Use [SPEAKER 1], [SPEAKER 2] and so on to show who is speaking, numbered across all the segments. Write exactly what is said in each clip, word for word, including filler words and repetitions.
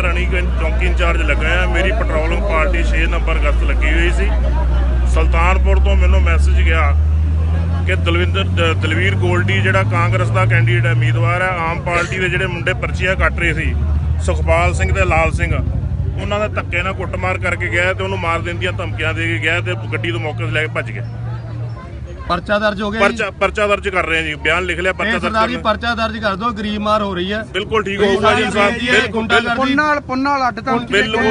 [SPEAKER 1] ਰਣੀਗੰਜ ਚੌਂਕੀ ਇੰਚਾਰਜ ਲੱਗਾ ਆ। ਮੇਰੀ ਪੈਟਰੋਲਿੰਗ ਪਾਰਟੀ ਛੇ ਨੰਬਰ ਗਸ਼ਤ ਲੱਗੀ ਹੋਈ ਸੀ। ਸੁਲਤਾਨਪੁਰ ਤੋਂ ਮੈਨੂੰ ਮੈਸੇਜ ਗਿਆ ਕਿ ਦਲਵਿੰਦਰ ਦਲਵੀਰ ਗੋਲਡੀ ਜਿਹੜਾ ਕਾਂਗਰਸ ਦਾ ਕੈਂਡੀਡੇਟ ਉਮੀਦਵਾਰ ਹੈ, ਆਮ ਪਾਰਟੀ ਦੇ ਜਿਹੜੇ ਮੁੰਡੇ ਪਰਚੀਆਂ ਕੱਟ ਰਹੇ ਸੀ ਸੁਖਪਾਲ ਸਿੰਘ ਤੇ ਲਾਲ ਸਿੰਘ, ਉਹਨਾਂ ਦਾ ਧੱਕੇ ਨਾਲ ਕੁੱਟਮਾਰ ਕਰਕੇ ਗਿਆ ਤੇ ਉਹਨੂੰ ਮਾਰ ਦੇਣ ਦੀਆਂ ਧਮਕੀਆਂ ਦੇ ਕੇ ਗਿਆ ਤੇ ਗੱਡੀ ਤੋਂ ਮੌਕੇ 'ਤੇ ਲੈ ਕੇ ਭੱਜ ਗਿਆ।
[SPEAKER 2] ਪਰਚਾ ਦਰਜ ਹੋ ਗਿਆ
[SPEAKER 1] ਪਰਚਾ ਪਰਚਾ ਦਰਜ ਕਰ ਰਹੇ ਆ ਜੀ, ਬਿਆਨ ਲਿਖ ਲਿਆ। ਪਰਚਾ ਦਰਜ
[SPEAKER 2] ਜੀ, ਪਰਚਾ ਦਰਜ ਕਰ ਦਿਓ, ਗਰੀਬ ਮਾਰ ਹੋ ਰਹੀ ਹੈ।
[SPEAKER 1] ਬਿਲਕੁਲ ਠੀਕ ਹੋਊਗਾ ਜੀ ਸਾਹਿਬ,
[SPEAKER 3] ਪੁੰਨਾਲ ਅੱਡ ਤਾਂ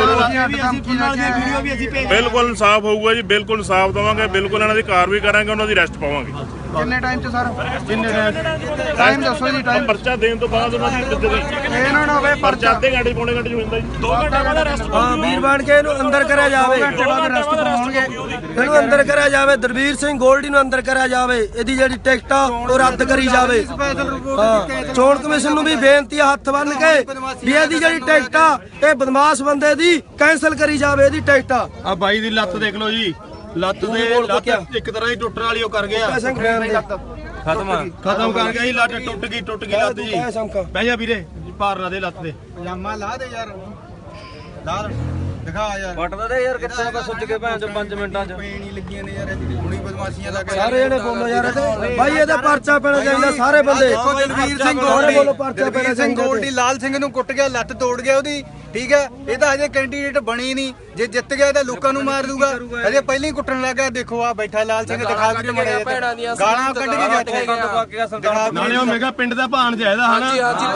[SPEAKER 1] ਬਿਲਕੁਲ ਇਨਸਾਫ ਹੋਊਗਾ ਜੀ, ਬਿਲਕੁਲ ਇਨਸਾਫ ਦੇਵਾਂਗੇ, ਬਿਲਕੁਲ ਇਹਨਾਂ ਦੀ ਕਾਰਵਾਈ ਕਰਾਂਗੇ, ਉਹਨਾਂ ਦੀ ਅਰੈਸਟ ਪਾਵਾਂਗੇ।
[SPEAKER 3] ਕਿੰਨੇ ਟਾਈਮ 'ਚ ਸਰ?
[SPEAKER 2] ਕਿੰਨੇ ਟਾਈਮ
[SPEAKER 3] ਟਾਈਮ ਦੱਸੋ ਜੀ। ਟਾਈਮ
[SPEAKER 1] ਪਰਚਾ ਦੇਣ ਤੋਂ ਬਾਅਦ ਉਹਨਾਂ ਦੀ
[SPEAKER 3] ਇਹ ਨਾ ਹੋਵੇ
[SPEAKER 1] ਪਰਚਾ ਅੱਧੇ ਘੰਟੇ ਪੌਣੇ ਘੰਟੇ 'ਚ ਹੁੰਦਾ ਜੀ। ਦੋ ਘੰਟੇ ਬਾਅਦ ਅਰੈਸਟ।
[SPEAKER 4] ਹਾਂ, ਵੀਰ ਬਣ ਕੇ ਇਹਨੂੰ ਅੰਦਰ ਕਰਿਆ ਜਾਵੇ,
[SPEAKER 3] ਘੰਟੇ ਬਾਅਦ ਅਰੈਸਟ ਕਰਵਾਉਣਗੇ।
[SPEAKER 4] ਇਹਨੂੰ ਅੰਦਰ ਕਰਿਆ ਜਾਵੇ। ਦਲਵੀਰ ਸਿੰਘ ਗੋਲਡੀ ਨੂੰ ਅੰਦਰ ਕਰਿਆ ਜਾਵੇ। ਇਹਦੀ ਜਿਹੜੀ ਟਿਕਟ ਆ ਉਹ ਰੱਦ ਕਰੀ ਜਾਵੇ। ਹਾਂ, ਚੋਣ ਕਮਿਸ਼ਨ ਨੂੰ ਵੀ ਬੇਨਤੀ ਆ ਹੱਥ ਬੰਨ ਕੇ ਵੀ ਇਹਦੀ ਜਿਹੜੀ ਟਿਕਟ ਆ ਇਹ ਬਦਮਾਸ਼ ਬੰਦੇ ਦੀ ਕੈਂਸਲ ਕਰੀ ਜਾਵੇ। ਇਹਦੀ ਟਿਕਟ ਆ
[SPEAKER 2] ਆ ਬਾਈ ਦੀ ਲੱਤ ਦੇਖ ਲਓ ਜੀ, ਲੱਤ ਦੇ ਲੱਤ ਇੱਕ ਤਰ੍ਹਾਂ ਦੀ ਟੁੱਟਣ ਵਾਲੀ ਉਹ ਕਰ ਗਿਆ,
[SPEAKER 4] ਖਤਮ
[SPEAKER 2] ਖਤਮ ਕਰ ਗਿਆ ਜੀ। ਲੱਤ ਟੁੱਟ ਗਈ ਟੁੱਟ ਗਈ ਲੱਤ ਜੀ। ਬਹਿ ਜਾ ਵੀਰੇ, ਭਾਰ ਨਾ ਦੇ ਲੱਤ ਦੇ।
[SPEAKER 3] ਪਜਾਮਾ ਲਾ ਦੇ ਯਾਰ, ਲਾ ਦਿਖਾ ਯਾਰ।
[SPEAKER 4] ਪਟਦਾ ਦੇ ਯਾਰ, ਕਿੱਥੇ ਬਸ ਸੁੱਜ ਕੇ ਭੈਣ ਚੋ ਪੰਜ ਮਿੰਟਾਂ ਚ
[SPEAKER 3] ਪੇਣੀ ਲੱਗੀਆਂ ਨੇ ਯਾਰ, ਇਹਦੀ ਹੁਣੀ ਬਦਮਾਸ਼ੀਆਂ ਦਾ।
[SPEAKER 4] ਸਾਰੇ ਜਣੇ ਬੋਲੋ ਯਾਰ ਇਹਦੇ ਬਾਈ, ਇਹਦਾ ਪਰਚਾ ਪੈਣਾ ਚਾਹੀਦਾ। ਸਾਰੇ ਬੰਦੇ
[SPEAKER 3] ਦੇਖੋ ਦਲਵੀਰ ਸਿੰਘ ਗੋਲਡੀ, ਦਲਵੀਰ ਸਿੰਘ ਗੋਲਡੀ ਲਾਲ ਸਿੰਘ ਨੂੰ ਕੁੱਟ ਗਿਆ, ਲੱਤ ਤੋੜ ਗਿਆ ਉਹਦੀ, ਠੀਕ ਹੈ। ਇਹ ਤਾਂ ਹਜੇ ਕੈਂਡੀਡੇਟ ਬਣੀ ਨਹੀਂ, ਜੇ ਜਿੱਤ ਗਿਆ ਤਾਂ ਲੋਕਾਂ ਨੂੰ ਮਾਰ ਦੂਗਾ। ਹਜੇ ਪਹਿਲਾਂ ਹੀ ਕੁੱਟਣ ਲੱਗਾ। ਦੇਖੋ ਆ ਬੈਠਾ ਲਾਲ ਸਿੰਘ, ਦਿਖਾ ਕੇ ਮੜੇ ਗਾਲਾਂ ਕੱਢ ਕੇ ਬੈਠਾ।
[SPEAKER 2] ਨਾਲੇ ਉਹ ਮੇਗਾ ਪਿੰਡ ਦਾ ਭਾਣ ਜਾਇਦਾ ਹਨਾ।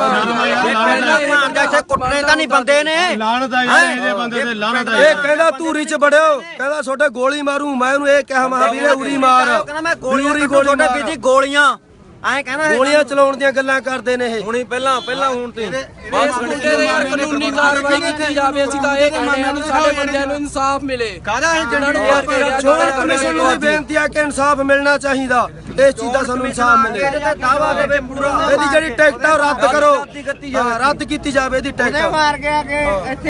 [SPEAKER 4] ਕੁੱਟਣੇ ਤਾਂ ਨਹੀਂ ਬੰਦੇ ਨੇ,
[SPEAKER 2] ਲਾਣਤ ਆ ਯਾਰ ਇਹਦੇ ਬੰਦੇ ਤੇ, ਲਾਣਤ ਆ।
[SPEAKER 4] ਇਹ ਕਹਿੰਦਾ ਧੂਰੀ ਚ ਬੜਿਓ, ਕਹਿੰਦਾ ਛੋਟੇ ਗੋਲੀ ਮਾਰੂ। ਮੈਂ ਉਹਨੂੰ ਇਹ ਕਿਹਾ ਮਹਾ ਵੀਰੇ ਉਰੀ ਮਾਰ, ਕਹਿੰਦਾ ਮੈਂ ਗੋਲੀਆਂ ਛੋਟੇ ਬੀਜੀ ਗੋਲੀਆਂ ਐ ਕਹਿੰਦਾ ਗੋਲੀਆਂ ਚਲਾਉਣ ਦੀਆਂ ਗੱਲਾਂ ਕਰਦੇ ਨੇ ਇਹ। ਹੁਣੀ ਪਹਿਲਾਂ ਪਹਿਲਾਂ ਹੁਣ ਤੇ
[SPEAKER 5] ਕਾਨੂੰਨੀ ਕਾਰਵਾਈ ਕੀਤੀ ਜਾਵੇ। ਅਸੀਂ ਤਾਂ ਇਹ ਕਹਿੰਦੇ ਹਾਂ ਸਾਡੇ ਬੰਦਿਆਂ ਨੂੰ ਇਨਸਾਫ ਮਿਲੇ।
[SPEAKER 3] ਕਾਹਦਾ ਇਹ
[SPEAKER 5] ਜਿਹਨਾਂ ਨੂੰ
[SPEAKER 4] ਚੋਣ ਕਮਿਸ਼ਨ ਨੂੰ ਵੀ ਬੇਨਤੀ ਆ ਕਿ ਇਨਸਾਫ ਮਿਲਣਾ ਚਾਹੀਦਾ। ਇਸ ਚੀਜ਼ ਦਾ ਸਾਨੂੰ ਇਨਸਾਫ ਮਿਲੇ। ਦਾਵਾ ਦੇਵੇ ਪੂਰਾ। ਇਹਦੀ ਜਿਹੜੀ ਟਿਕਟ ਆ ਰੱਦ ਕਰੋ, ਰੱਦ ਕੀਤੀ ਜਾਵੇ ਇਹਦੀ ਟਿਕਟ।